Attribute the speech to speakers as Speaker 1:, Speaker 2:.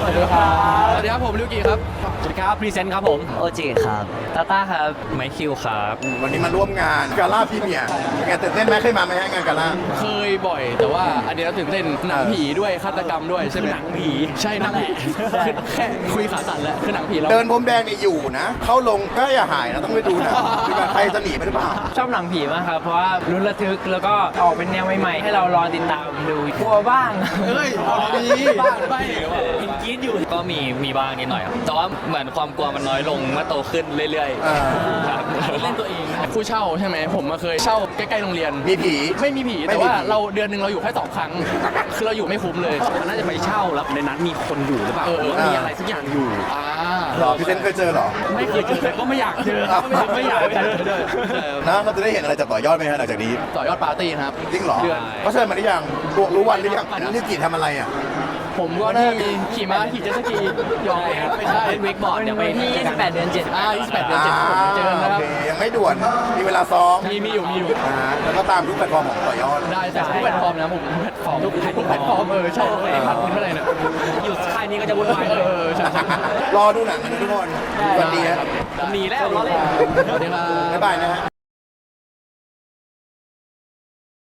Speaker 1: วัสดีครับสวัสดีครับผมลิวกี้ครับสวัสดีครับพรีเซนต์ครับผม
Speaker 2: โอจิครับ
Speaker 1: ตาต้าครับไมคิวครับ
Speaker 3: วันนี้มาร่วมงานกาล่าพรีเมียร์งานตื่นเต้นไหมเคยมาไหมฮะงานกาล่า
Speaker 1: เคยบ่อยแต่ว่าอันนี้เราตื่นเต้นหนังผีด้วยฆาตกรรมด้วยใช่ไหมหนังผีใช่นั่นแหละคือแค่คุยขาสั่นแล้วคือหนังผีเรา
Speaker 3: เดินพรมแดงนี่อยู่นะ เข้าลงก็อย่าหายนะต้องไปดูนะดีกว่าใครจะหนีไปหรือเปล่า
Speaker 4: ชอบหนังผีมากครับ เพราะว่าลุ้นระทึกแล้วก็ออกเป็นแนวใหม่ๆ ให้เรารอติดตามดูกลัวบ้าง
Speaker 1: เฮ้ยเอาดีบ้านไม่เห็นกรี๊ดอยู่
Speaker 5: ก็มีบ้างนิดหน่อยครับแต่ว่าเหมือนความกลัวมันน้อยลงเมื่อโตขึ้นเรื่อย
Speaker 3: อ่า
Speaker 5: ๆครับ
Speaker 1: เล่นตัวเองผู้เช่าใช่ไหมผมมาเคยเช่าใกล้ๆโรงเรียน
Speaker 3: มีผี
Speaker 1: ไม่มีผี
Speaker 3: ไม่มี
Speaker 1: แต่ว่า
Speaker 3: ผี
Speaker 1: เราเดือนหนึ่งเราอยู่แค่2 ครั้งคือเราอยู่ไม่คุ้มเลย
Speaker 6: มันน่าจะไปเช่าแล้วในนั้นมีคนอยู่หรือเปล่า
Speaker 1: เออ
Speaker 6: หรือว่ามีอะไรสักอย่างอยู่
Speaker 1: อ่า
Speaker 3: หรอพี่เซนเคยเจอเหรอ
Speaker 1: ไม่เคยเจอแต่ก็ไม่อยากเจอไม่อยากเจอด้วย
Speaker 3: นะเราจะได้เห็นอะไรจากต่อยอดไหมฮะหลังจากนี้
Speaker 1: ต่อยอดปาร์ตี้นะครับ
Speaker 3: จริงเหรอ
Speaker 1: เดือน
Speaker 3: เขาเชิญมาหรือยังรู้วันหรือยังนี่กี่ทำอะไรอ่ะ
Speaker 1: ผมก็น่าจะมีขี่ม้าขี่เจ็ตสกียองไม่ใช่
Speaker 5: เล่นเวกบอร์ดเดี๋ยวไป
Speaker 4: ที่ 28 เดือน
Speaker 1: 28 เดือน 7ผมเจอกันนะครับ
Speaker 3: โอเคยังไม่ด่วนมีเวลาซ้อม
Speaker 1: มีอยู่
Speaker 3: แล้วก็ตามทุกแพลตฟอร์มของต่อยอด
Speaker 1: ได้แต่ทุกแพลตฟอร์มนะผมทุกแพลตฟอร์มทุกแพลตฟอร์มใช่ไอ้พันคุณเท่าไหร่เนี่ย
Speaker 6: อยู่ค่ายนี้ก็จะวุ่นวายเลย
Speaker 1: ใช่
Speaker 3: รอดูหนังกันนะทุกคนสวัสดีครับ
Speaker 6: ผมหนีแล้วล้อเล่น
Speaker 1: สวัสดีครับ
Speaker 3: บ๊ายบายนะฮะ